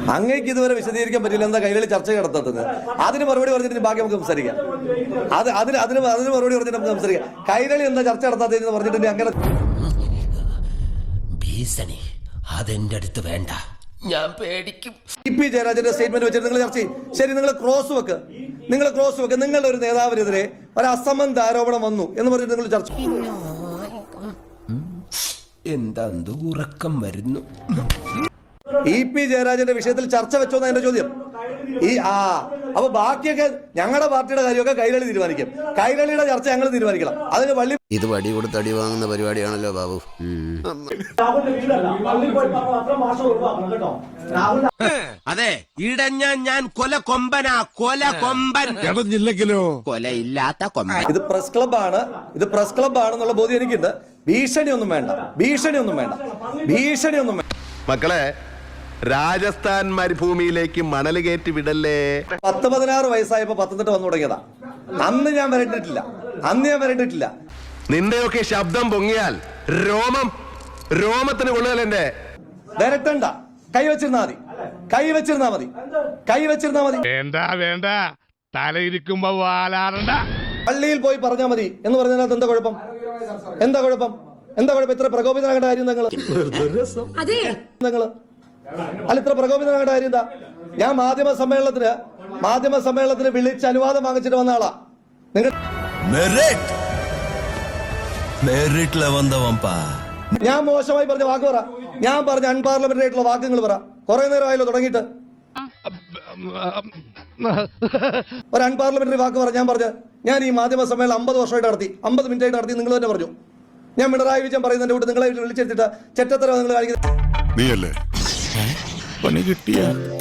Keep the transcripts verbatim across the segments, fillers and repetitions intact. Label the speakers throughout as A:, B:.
A: അങ്ങേക്ക് ഇതുവരെ വിശദീകരിക്കാൻ പറ്റില്ല എന്താ കൈരളി ചർച്ച നടത്തുന്നത്. അതിന് മറുപടി പറഞ്ഞിട്ട് ബാക്കി നമുക്ക് സംസാരിക്കാം. അത് അതിന് അതിന് അതിന് മറുപടി പറഞ്ഞിട്ട് നമുക്ക് സംസാരിക്കാം. കൈരളി എന്താ ചർച്ച നടത്താത്തതെന്ന് പറഞ്ഞിട്ട് അങ്ങനെ
B: ഭീഷണി അതെന്റെ അടുത്ത് വേണ്ട, ഞാൻ പേടിക്കും.
A: ഇ പി ജയരാജന്റെ സ്റ്റേറ്റ്മെന്റ് വെച്ചിട്ട് നിങ്ങൾ ചർച്ച ചെയ്യും. ശരി, നിങ്ങൾ ക്രോസ് വെക്ക്, നിങ്ങൾ ക്രോസ് വെക്ക്. നിങ്ങളുടെ ഒരു നേതാവിനെതിരെ ഒരു അസംബന്ധ ആരോപണം വന്നു എന്ന് പറഞ്ഞിട്ട് നിങ്ങൾ ചർച്ച
B: എന്താ ഉറക്കം വരുന്നു.
A: ഇ പി ജയരാജന്റെ വിഷയത്തിൽ ചർച്ച വെച്ചോ എന്ന എന്റെ ചോദ്യം. ഈ ആ അപ്പൊ ബാക്കിയൊക്കെ ഞങ്ങളുടെ പാർട്ടിയുടെ കാര്യമൊക്കെ കൈരളി തീരുമാനിക്കും. കൈരളിയുടെ ചർച്ച ഞങ്ങൾ തീരുമാനിക്കണം. അതിന് വള്ളി
C: ഇത് വടി കൊടുത്ത് അടി വാങ്ങുന്ന പരിപാടിയാണല്ലോ ബാബു.
B: അതെ, ഇടഞ്ഞ ഞാൻ കൊല കൊമ്പനാ, കൊല കൊമ്പൻ.
C: ഇടഞ്ഞില്ലെങ്കിലോ
B: കൊലയില്ലാത്ത കൊമ്പൻ.
A: ഇത് പ്രസ് ക്ലബ്ബാണ്, ഇത് പ്രസ് ക്ലബ്ബാണെന്നുള്ള ബോധ്യം എനിക്കുണ്ട്. ഭീഷണിയൊന്നും വേണ്ട, ഭീഷണിയൊന്നും വേണ്ട, ഭീഷണിയൊന്നും വേണ്ട.
D: മക്കളെ, രാജസ്ഥാൻ മരുഭൂമിയിലേക്ക് മണൽ കയറ്റി വിടല്ലേ.
A: പത്ത് പതിനാറ് വയസ്സായപ്പോ പത്തനംതിട്ട വന്നു തുടങ്ങിയതാ. അന്ന് ഞാൻ വരണ്ടിട്ടില്ല, അന്ന് ഞാൻ വരണ്ടിട്ടില്ല.
D: നിന്റെയൊക്കെ ശബ്ദം പൊങ്ങിയാൽ രോമം രോമത്തിന് കൊള്ളുകയല്ലേ.
A: വരട്ടണ്ട, കൈവച്ചിരുന്നാ മതി, കൈവച്ചിരുന്നാ മതി, കൈവച്ചിരുന്നാ മതി.
E: വേണ്ട വേണ്ട, തലയിരിക്കുമ്പോ വാലാറണ്ട.
A: പള്ളിയിൽ പോയി പറഞ്ഞാൽ മതി എന്ന് പറഞ്ഞതിനകത്ത് എന്താ കുഴപ്പം? എന്താ കുഴപ്പം? എന്താ കുഴപ്പം? ഇത്ര പ്രകോപിതനാകേണ്ട കാര്യം നിങ്ങൾ നിങ്ങള് അല്ല, ഇത്ര പ്രകോപിതനാകേണ്ട കാര്യം എന്താ? ഞാൻ മാധ്യമ സമ്മേളനത്തിന് മാധ്യമ സമ്മേളനത്തിന് വിളിച്ച് അനുവാദം വാങ്ങിച്ചിട്ട് വന്ന ആളാ. നിങ്ങൾ ഞാൻ മോശമായി പറഞ്ഞ വാക്ക് പറ. ഞാൻ പറഞ്ഞ അൺപാർലമെന്ററി ആയിട്ടുള്ള വാക്കുകൾ പറ. കുറെ നേരമായല്ലോ തുടങ്ങിയിട്ട്. ഒരു അൺപാർലമെന്ററി വാക്ക് പറ. ഞാൻ പറഞ്ഞ ഞാൻ ഈ മാധ്യമ സമ്മേളനം അമ്പത് വർഷമായിട്ട് നടത്തി, അമ്പത് മിനിറ്റ് ആയിട്ട് നടത്തി. നിങ്ങൾ തന്നെ പറഞ്ഞു. ഞാൻ പിണറായി വിജയൻ പറയുന്നതിന്റെ കൂടെ നിങ്ങളെ വിളിച്ചെടുത്തിട്ട് ചെറ്റത്തരം നിങ്ങൾ കാണിക്കുന്നത്
F: നീയല്ലേ പണി കിട്ടിയ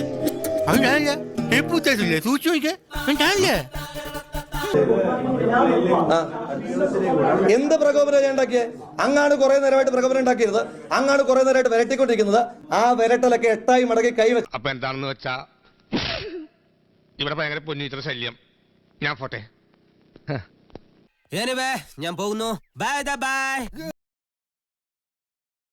A: എന്ത് പ്രകോപനം ഞാൻ ഉണ്ടാക്കിയേ? അങ്ങാണ് കുറെ നേരമായിട്ട് പ്രകോപനം ഉണ്ടാക്കിയത്. അങ്ങാണ് കുറെ നേരമായിട്ട് വിരട്ടിക്കൊണ്ടിരിക്കുന്നത്. ആ വിരട്ടലൊക്കെ എട്ടായി മടക്കി കൈവച്ച്.
E: അപ്പൊ എന്താണെന്ന് വെച്ചാ ഇവിടെ ഭയങ്കര പൊന്നിച്ചിട്ട് ശല്യം. ഞാൻ പോട്ടെ.
B: ഞാൻ പോകുന്നു. Bye by.